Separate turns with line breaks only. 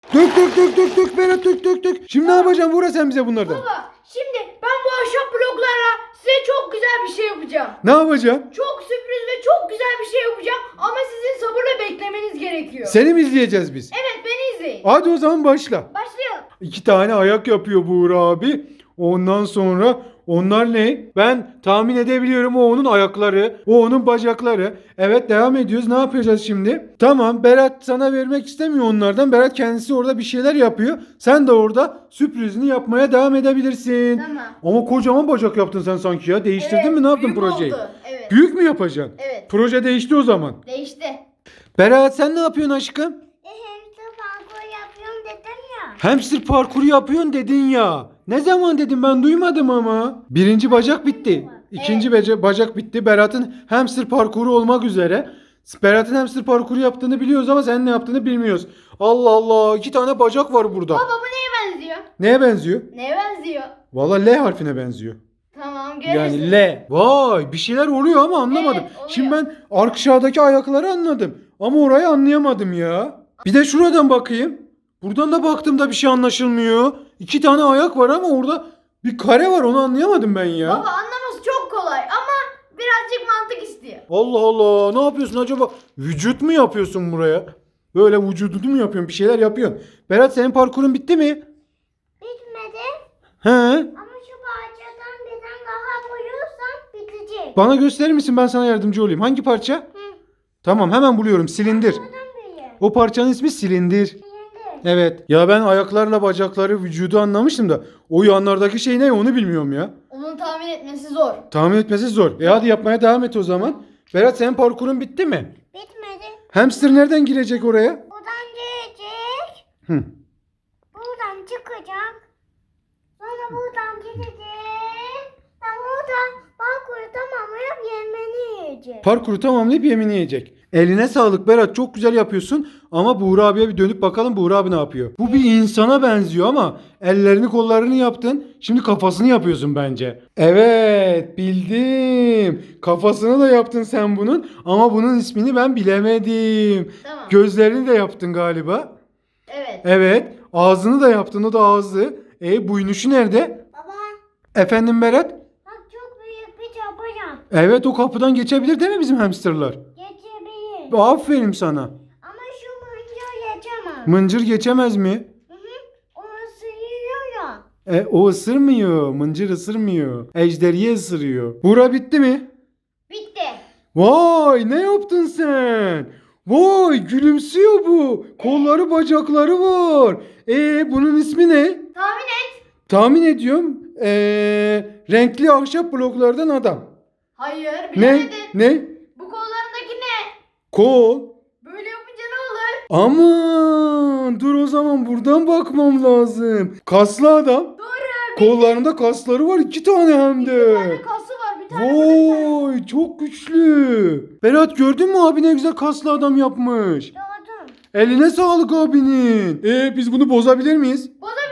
Dök dök dök dök dök Berat, dök dök dök. Şimdi ne yapacaksın Buğra sen bize bunlardan?
Baba şimdi ben bu ahşap bloklarla size çok güzel bir şey yapacağım.
Ne yapacaksın?
Çok sürpriz ve çok güzel bir şey yapacağım ama sizin sabırla beklemeniz gerekiyor.
Seni mi izleyeceğiz biz?
Evet, beni izleyin.
Hadi o zaman başla.
Başlayalım.
2 tane ayak yapıyor Buğra abi. Ondan sonra onlar ne? Ben tahmin edebiliyorum, o onun ayakları, o onun bacakları. Evet, devam ediyoruz. Ne yapacağız şimdi? Tamam, Berat sana vermek istemiyor onlardan. Berat kendisi orada bir şeyler yapıyor. Sen de orada sürprizini yapmaya devam edebilirsin.
Tamam.
Ama kocaman bacak yaptın sen sanki ya. Değiştirdin
Evet,
mi? Ne yaptın
büyük
projeyi?
oldu. Evet.
Büyük mü yapacaksın?
Evet.
Proje değişti o zaman.
Değişti.
Berat sen ne yapıyorsun aşkım?
Hamster parkur yapıyorum dedim ya.
Hamster parkuru yapıyorsun dedin ya. Ne zaman dedim, ben duymadım ama. Birinci bacak bitti. İkinci bacak bitti. Berat'ın hamster parkuru olmak üzere. Berat'ın hamster parkuru yaptığını biliyoruz ama senin ne yaptığını bilmiyoruz. Allah Allah, 2 tane bacak var burada.
Baba bu neye benziyor?
Neye benziyor?
Neye benziyor?
Vallahi L harfine benziyor.
Tamam, görürsün.
Yani L. Vay, bir şeyler oluyor ama anlamadım.
Evet, oluyor.
Şimdi ben aşağıdaki ayakları anladım. Ama orayı anlayamadım ya. Bir de şuradan bakayım. Buradan da baktığımda bir şey anlaşılmıyor. 2 tane ayak var ama orada bir kare var, onu anlayamadım ben ya.
Baba anlaması çok kolay ama birazcık mantık istiyor.
Allah Allah, ne yapıyorsun acaba? Vücut mu yapıyorsun buraya? Böyle vücudunu mu yapıyorsun? Bir şeyler yapıyorsun. Berat, senin parkurun bitti mi?
Bitmedi
He?
ama şu parçadan birden daha koyursam bitecek.
Bana gösterir misin, ben sana yardımcı olayım. Hangi parça?
Hı.
Tamam, hemen buluyorum. Silindir.
Buradan büyüyor.
O parçanın ismi silindir.
Şimdi.
Evet. Ya ben ayaklarla bacakları, vücudu anlamıştım da o yanlardaki şey ne, onu bilmiyorum ya.
Onun tahmin etmesi zor.
Tahmin etmesi zor. Hadi yapmaya devam et o zaman. Berat, senin parkurun bitti mi?
Bitmedi.
Hamster nereden girecek oraya?
Buradan gelecek.
Hı.
Buradan çıkacak. Sonra buradan gidecek. Ben oradan parkuru tamamlayıp yemeğini yiyecek.
Parkuru tamamlayıp yemini yiyecek. Eline sağlık Berat, çok güzel yapıyorsun ama Buğra abiye bir dönüp bakalım, Buğra abi ne yapıyor? Bu bir insana benziyor ama ellerini kollarını yaptın, şimdi kafasını yapıyorsun bence. Evet, bildim. Kafasını da yaptın sen bunun ama bunun ismini ben bilemedim.
Tamam.
Gözlerini de yaptın galiba.
Evet.
Evet, ağzını da yaptın, o da ağzı. Buynuşu nerede?
Baba
Efendim Berat?
bak çok büyük bir yapacağım.
Evet, o kapıdan geçebilir değil mi bizim hamsterlar?
Geçebilir.
Aferin sana.
Ama şu mıncır geçemez.
Mıncır geçemez mi?
Hı hı. O ısırıyor ya.
O ısırmıyor. Mıncır ısırmıyor. Ejderiye ısırıyor. Bura bitti mi?
Bitti.
Vay, ne yaptın sen? Vay, gülümsüyor bu. Kolları bacakları var. Bunun ismi ne?
Tahmin et.
Tahmin ediyorum. Renkli ahşap bloklardan adam.
Hayır,
Ne?
bilemedin.
Ne?
Bu kollarındaki ne?
Kol.
Böyle yapınca ne olur?
Aman, dur o zaman buradan bakmam lazım. Kaslı adam.
Doğru.
Kollarında kasları var, 2 tane hem de.
Bir tane kası var, bir tane burada, bir tane.
Vay, çok güçlü. Berat, gördün mü abi ne güzel kaslı adam yapmış.
Doğdum.
Eline sağlık abinin. Biz bunu bozabilir miyiz?
Bozabiliriz.